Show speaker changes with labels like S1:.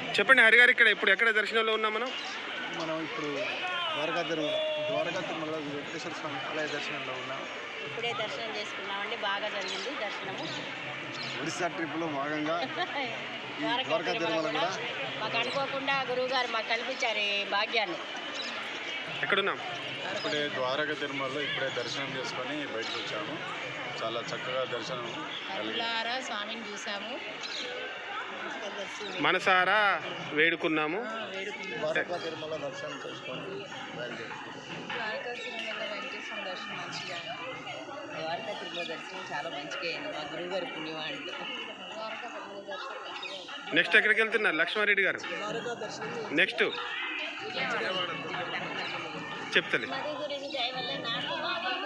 S1: చెప్పండి హరిగారు, ఇక్కడ ఇప్పుడు ఎక్కడ దర్శనంలో ఉన్నాం మనం?
S2: మనం ఇప్పుడు ద్వారకా తిరుమల వెంకటేశ్వర స్వామి ఆలయ దర్శనంలో ఉన్నాం.
S3: ఇప్పుడే దర్శనం చేసుకున్నామండి, బాగా జరిగింది దర్శనము.
S2: ఒడిశా ట్రిప్లో భాగంగా ద్వారకా తిరుమల కూడా
S3: మాకు అనుకోకుండా గురువుగారు మాకు కల్పించారు ఈ భాగ్యాన్ని.
S1: ఎక్కడున్నాం?
S2: ఇప్పుడే ద్వారకా తిరుమలలో ఇప్పుడే దర్శనం చేసుకొని బయటకు వచ్చాము. చాలా చక్కగా దర్శనం
S3: కళ్ళారా స్వామిని చూసాము,
S1: మనసారా వేడుకున్నాము.
S2: ద్వారకా తిరుమల దర్శనం చేసుకొని
S3: ద్వారకా తిరుమల వెంకటేశ్వర దర్శనం మంచిగా, ద్వారకా తిరుమల దర్శనం చాలా మంచిగా అయింది మా గురువుగారి పుణ్యవాంటి. ద్వారకా తిరుమల దర్శనం
S1: నెక్స్ట్ ఎక్కడికి వెళ్తున్నారు లక్ష్మారెడ్డి గారు? నెక్స్ట్ చెప్తలే.
S3: మధు గురించి దయ వల్ల నాకు